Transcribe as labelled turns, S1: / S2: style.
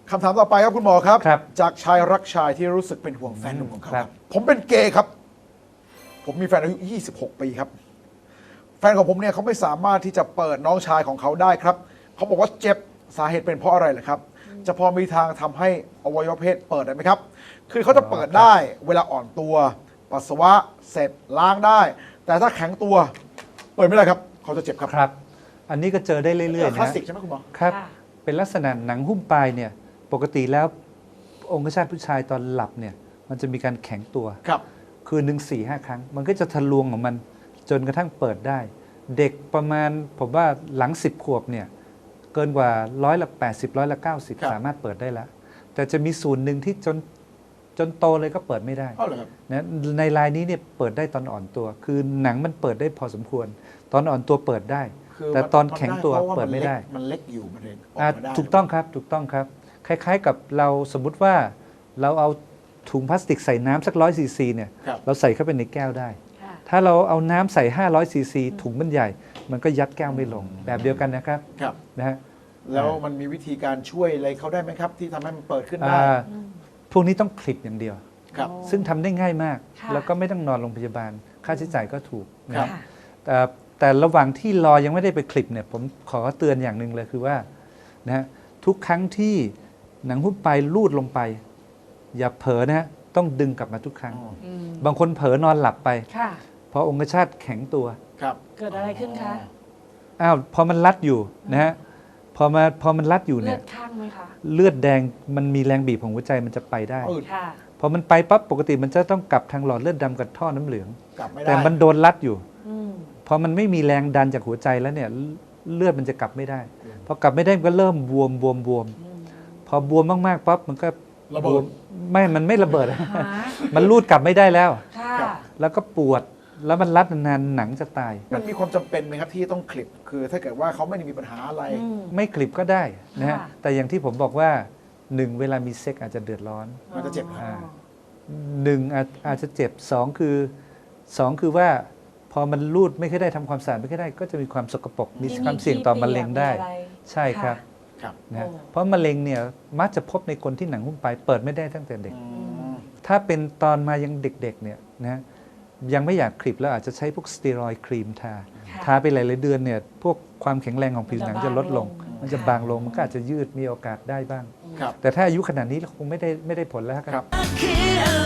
S1: คำถามต่อไปครับคุณหมอครับ
S2: ครับ
S1: จากชายรักชายที่รู้สึกเป็นห่วงแฟนหนุ่มของเขา
S2: ค
S1: ค
S2: รั
S1: รับ บผมเป็นเกย์ครับ ผมมีแฟนอายุ 26 ปีครับ แฟนของผมเนี่ยเขาไม่สามารถที่จะเปิดน้องชายของเขาได้ครับ เขาบอกว่าเจ็บสาเหตุเป็นเพราะอะไรเหรอครับ จะพอมีทางทำให้อวัยวะเพศเปิดได้ไหมครับ คือเขาจะเปิดได้เวลาอ่อนตัว ปัสสาวะเสร็จล้างได้ แต่ถ้าแข็งตัว เปิดไม่ได้ครับ เขาจะเจ็บครับ
S2: ครับ อันนี้ก็เจอได้เรื่อยๆ
S1: คลาส
S2: นะ
S1: สิกใช่ไหมคุณหมอ
S2: ครับ
S3: ค่ะ
S2: เป็นลักษณะหนังหุ้มปลายเนี่ย ปกติแล้วองคชาตผู้ชายตอนหลับเนี่ย มันจะมีการแข็งตัว
S1: ครับ
S2: คืนหนึ่ง4-5 ครั้ง มันก็จะทะลวงของมันจนกระทั่งเปิดได้ เด็กประมาณผมว่าหลัง 10 ขวบเนี่ย เกินกว่า80%90%สามารถเปิดได้แล้ว แต่จะมีส่วนหนึ่งที่จนโตเลยก็เปิดไม่ได้
S1: เอาเหรอครับ
S2: นะในรายนี้เนี่ยเปิดได้ตอนอ่อนตัว คือหนังมันเปิดได้พอสมควร ตอนอ่อนตัวเปิดได้
S1: คือ
S2: แต่ตอนแข็งตัว
S1: พราะา
S2: เปิดไม่ได้
S1: มันเล็กอยู่มันเลยออก
S2: อ่ะ
S1: มาได้
S2: ถูกต้องครับถูกต้องครับ คล้ายๆกับเราสมมุติว่าเราเอาถุงพลาสติกใส่น้ำสัก100 ซีซีเนี่ย
S1: ครับ
S2: เราใส่เข้าไปในแก้วได้
S3: ค่ะ
S2: ถ้าเราเอาน้ำใส่500 ซีซีถุงมันใหญ่ มันก็ยัดแก้วไม่ลง แบบเดียวกันนะครับ
S1: ครับ
S2: นะฮะ
S1: แล้วมันมีวิธีการช่วยอะไรเขาได้ไหมครับ ที่ทำให้มันเปิดขึ้นได้
S2: อ่าพวกนี้ต้องคลิปอย่างเดียว
S1: ครับ
S2: ซึ่งทำได้ง่ายมาก
S3: ค่ะ
S2: แล้วก็ไม่ต้องนอนโรงพยาบาล ค่าใช้จ่ายก็ถูกนะ
S1: ครั
S2: ฮะ
S1: บ
S2: แต่ระหว่างที่รอยังไม่ได้ไปคลิปเนี่ยผมขอเตือนอย่างหนึ่งเลยคือว่านะฮะทุกครั้งที่หนังหุ้มปลายลูดลงไป อย่าเผลอนะฮะต้องดึงกลับมาทุกครั้ง
S3: อืม
S2: บางคนเผลอนอนหลับไป
S3: ค่ะ
S2: พอองคชาตแข็งตัว
S1: ครับ
S3: เกิดอะไรขึ้นคะ
S2: อ้าวพอมันรัดอยู่นะฮะพอมันรัดอยู่
S3: เลื
S2: เนี่
S3: อย ดข้างไหมคะ
S2: เลือดแดงมันมีแรงบีบของหัวใจมันจะไปได้
S1: อืด
S3: ค่ะ
S2: พอมันไปปั๊บปกติมันจะต้องกลับทางหลอดเลือดดำกับท่อน้ำเหลือง
S1: กลับไม่ได้
S2: แต่มันโดนรัดอยู่
S3: อืม
S2: พอมันไม่มีแรงดันจากหัวใจแล้วเนี่ยเลือดมันจะกลับไม่ได้ พอกลับไม่ได้มันก็เริ่มบวม
S3: อืม
S2: พอบวมมากๆปั๊บมันก็
S1: ระ
S2: บ
S1: เบิ
S2: ว
S1: ด
S2: มมันไม่ระเบิด
S3: หา
S2: มันรูดกลับไม่ได้แล้ว
S3: ค่ะ
S1: ครับ
S2: แล้วก็ปวดแล้วมันรัดนานๆหนังจะตาย
S1: มันมีความจำเป็นไหมครับที่ต้องคลิป คือถ้าเกิดว่าเขาไม่ได้มีปัญหาอะไร
S3: อืม
S2: ไม่คลิปก็ได้นะฮะ
S3: ค่ะ
S2: แต่อย่างที่ผมบอกว่าหนึ่งเวลามีเซ็กอาจจะเดือดร้อน
S1: มันจะเจ็บ
S3: อ๋อ
S2: อ่า หนึ่งอาจจะเจ็บสองคือว่าพอมันรูดไม่ค่อยได้ทำความสะอาดไม่ค่อยได้ ก็จะมีความสกปรกมีความเสี่ยงต่อมะเร็งได้
S3: มีอะไร
S2: ใช่ครับ
S1: ครับ
S2: นะฮะ
S3: โอ้
S2: เพราะมะเร็งเนี่ยมักจะพบในคนที่หนังหุ้มปลายเปิดไม่ได้ตั้งแต่เด็ก
S1: อืม
S2: ถ้าเป็นตอนมายังเด็กๆเนี่ยนะยังไม่อยากคลิปแล้วอาจจะใช้พวกสเตียรอยด์ครีมทา
S3: ค่ะ
S2: ทาไปหลายๆเดือนเนี่ยพวกความแข็งแรงของผิวหนังจะลดลง มันจะบางลงมันก็อาจจะยืดมีโอกาสได้บ้าง
S1: ครับ
S2: แต่ถ้าอายุขนาดนี้คงไม่ได้ผลแล้วครับ
S1: ครับ
S4: คิดอะไร